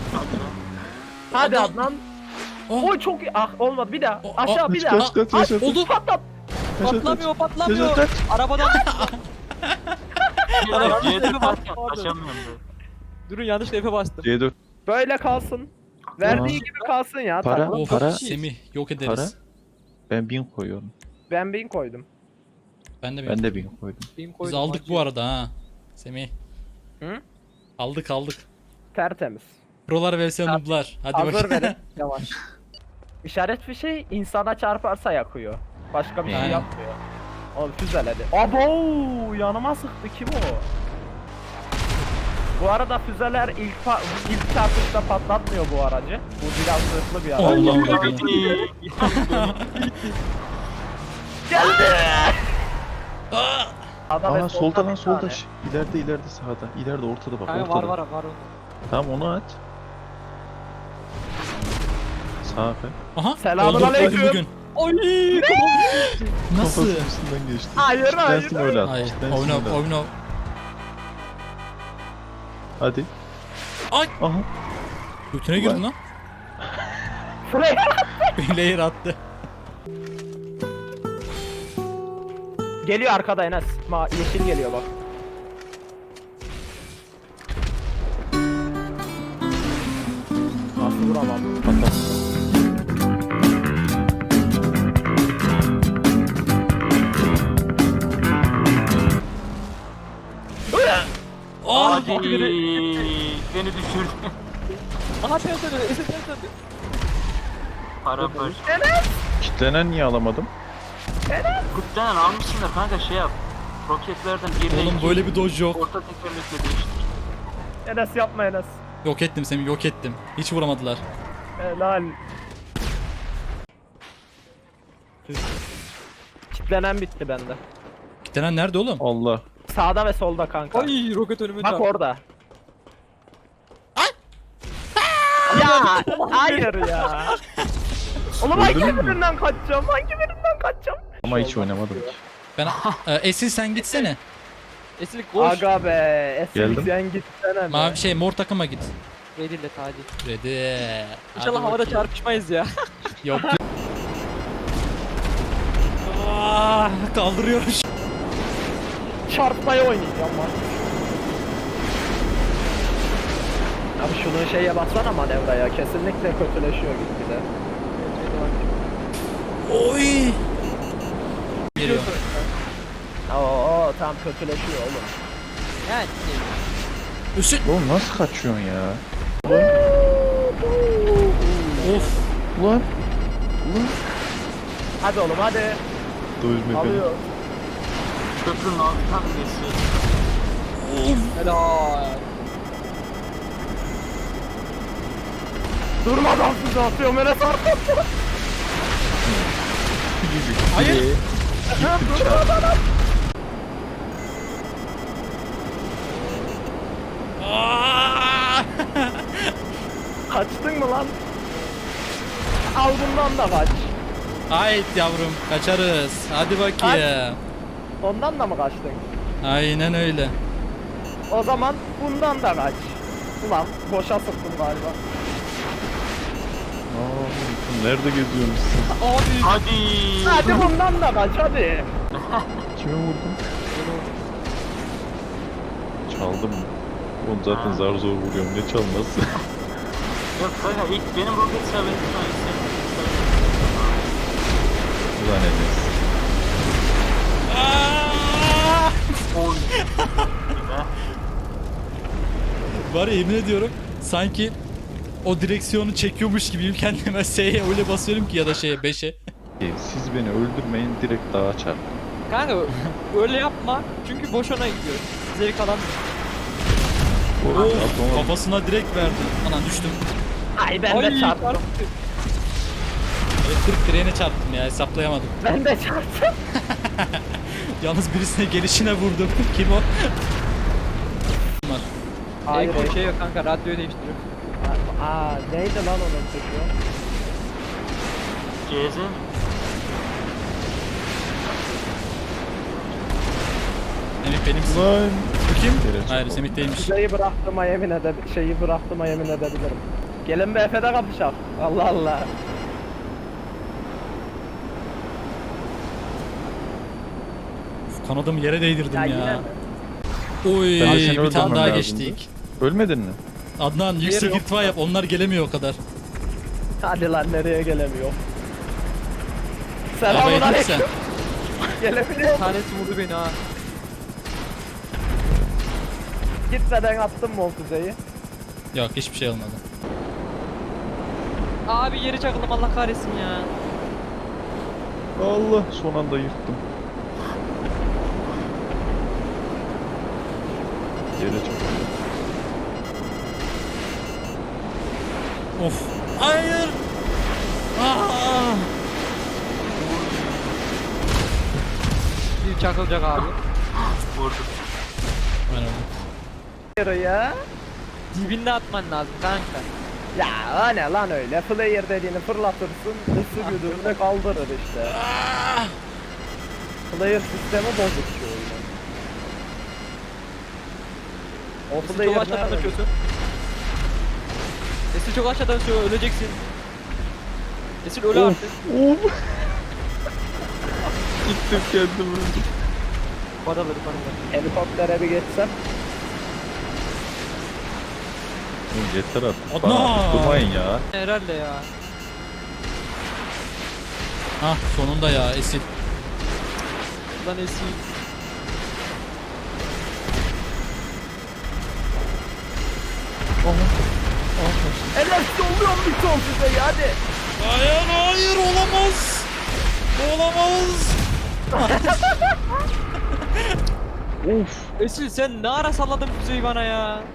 Hadi Adam- Adnan. Oh. Oy çok iyi. Ah olmadı bir daha. Oh, Aşağı bir Kaç daha. kaç kaç kaç. Oldu. Patlat. Patlamıyor patlamıyor. Kaç. Arabadan C4 derken taşamıyorum da. durun yanlış F'e bastım. C4 Böyle kalsın. Verdiği Tamam. gibi kalsın ya. Para. Tamam. Of, Para. Semih yok para. ederiz. Ben 1000 koyuyorum. Ben 1000 koydum. Ben de Ben de 1000 koydum. Benim Biz koydum, aldık acı. bu arada ha. Semih. Hı? Aldık. Tertemiz. Prolar vs nooblar. Hadi Hazır bakalım. verin. Yavaş. İşaret bir şey insana çarparsa yakıyor. Başka bir şey Aynen. yapmıyor. O füzeledi. Abo yanıma sıktı kim o? Bu arada füzeler ilk çarpışta patlatmıyor bu aracı. Bu biraz zırhlı bir araç. Allah'ım Geldi. Aa! Sağda ve Aa solda lan bir solda. tane. İleride sağda. İleride ortada bak Kanka ortada. var. Tamam onu aç. Sağ be. Aha. Selamünaleyküm. oldu bugün. Oy! Nasıl? Kafasının üstünden geçti. Hayır, hayır, Kitlensin öyle at. Hayır. Kitlensin Oyna öyle at. oyna. Hadi. Ay. Aha. Götüne girdin lan. Şuraya. Layer attı. Geliyor arkada Enes. Yeşil geliyor bak. Nasıl vuramam? Aa! Hadi beni düşürdü. Aha ters döndü. Esin ters döndü. Para para. Kitlenen niye alamadım? Kutlanan almışsınlar kanka şey yap. Roketlerden birine Oğlum iki, böyle bir dodge yok. orta tekerlekle değiştir. Enes yapma Enes. Yok ettim Semih, yok ettim. Hiç vuramadılar. Helal. Kitlenen bitti bende. Gitenen nerede oğlum? Allah. Sağda ve solda kanka. Ay roket önüme Bak çarptı. orada. Ya hayır ya. Oğlum hangi Öldün mü? birinden kaçacağım? Hangi birinden kaçacağım? Ama hiç oynamadım ki. Ben Esin sen gitsene. Esin koş. Aga be. Esin Geldim. sen gitsene be. Mavi şey mor takıma git. Redille hadi. Ready. İnşallah Hadi havada bakayım. çarpışmayız ya. Yok. Kaldırıyorum. Çarpmaya oynayacağım lan. Abi şunu şeye baksana manevraya. Kesinlikle kötüleşiyor gitgide. Oy. Geliyor. Oo tam kötüleşiyor oğlum. Yani. Üstün. Oğlum nasıl kaçıyorsun ya? Of. Ulan. Hadi oğlum hadi. Dövme beni. Alıyor. Köprünün altından geçiyor. Helal. Durmadan füze atıyorum Enes artık. Hayır. Aa! Kaçtın mı lan? Al bundan da kaç. Hayt yavrum kaçarız. Hadi bakayım. Ondan da mı kaçtın? Aynen öyle. O zaman bundan da kaç. Ulan boşa sıktım galiba. Aa, nerede geziyorsun sen? Abi. Hadi. Hadi bundan da kaç hadi. Kime vurdun? Çaldım mı? Oğlum zaten zar zor vuruyorum. Ne çalması? Yok kanka ilk benim roket isabetim var. Ulan Enes. Aa! Oy. Var ya yemin ediyorum sanki o direksiyonu çekiyormuş gibiyim kendime S'ye öyle basıyorum ki ya da şeye 5'e. Siz beni öldürmeyin direkt dağa çarpın. Kanka öyle yapma. Çünkü boşuna gidiyor. Zevk alan. Of, kafasına direkt verdi. Anan düştüm. Ay ben de çarptım. Elektrik direğine çarptım ya hesaplayamadım. Ben de çarptım. Yalnız birisine gelişine vurdum. Kim o? Var. Hayır. Hayır şey yok kanka radyoyu değiştiriyor. Aa neydi lan onun çocuğu? CZ mi? Semih benimsin. Lan. Bu kim? Geri Hayır çarpalım. Semih değilmiş. Şeyi bıraktığıma yemin edebilirim. Gelin bir Efe'de kapışalım. Allah Allah. Kanadımı yere değdirdim Ya ya. yine mi? Oy Ben de seni bir tane öldürmem daha lazımdı. geçtik. Ölmedin mi? Adnan yüksek yok. irtifa yap, onlar gelemiyor o kadar. Hadi lan nereye gelemiyor. Arabaya Selamun git sen. aleyküm. Gelebiliyor Bir musun? tanesi vurdu beni ha. Gitmeden attın mı o füzeyi? Yok hiçbir şey olmadı. Abi yeri çakıldım Allah kahretsin ya. Allah son anda yırttım. Yere çok. Of. Hayır. Aa! Bir çakılacak abi. Vurdu. Ben öldüm. Yürü ya. Dibinde atman lazım kanka. Ya o ne lan öyle? Player dediğini fırlatırsın, ısı güdümünü kaldırır işte. Player sistemi bozuk şu oyunun. O Esil player çok aşağıdan nerede? açıyorsun. Esil çok aşağıdan açıyor, öleceksin. Esil öyle artık. Gittim kendim öldüm. Paraları paraları. Helikoptere bir geçsem. Oğlum yeter artık. Adnan! Bana durmayın ya. Herhalde ya. Hah sonunda ya Esil. Lan Esil. Enerjisi oluyor mu bir son füzeyi hadi. Hayır hayır olamaz. Olamaz. Esil sen ne ara salladın füzeyi bana ya?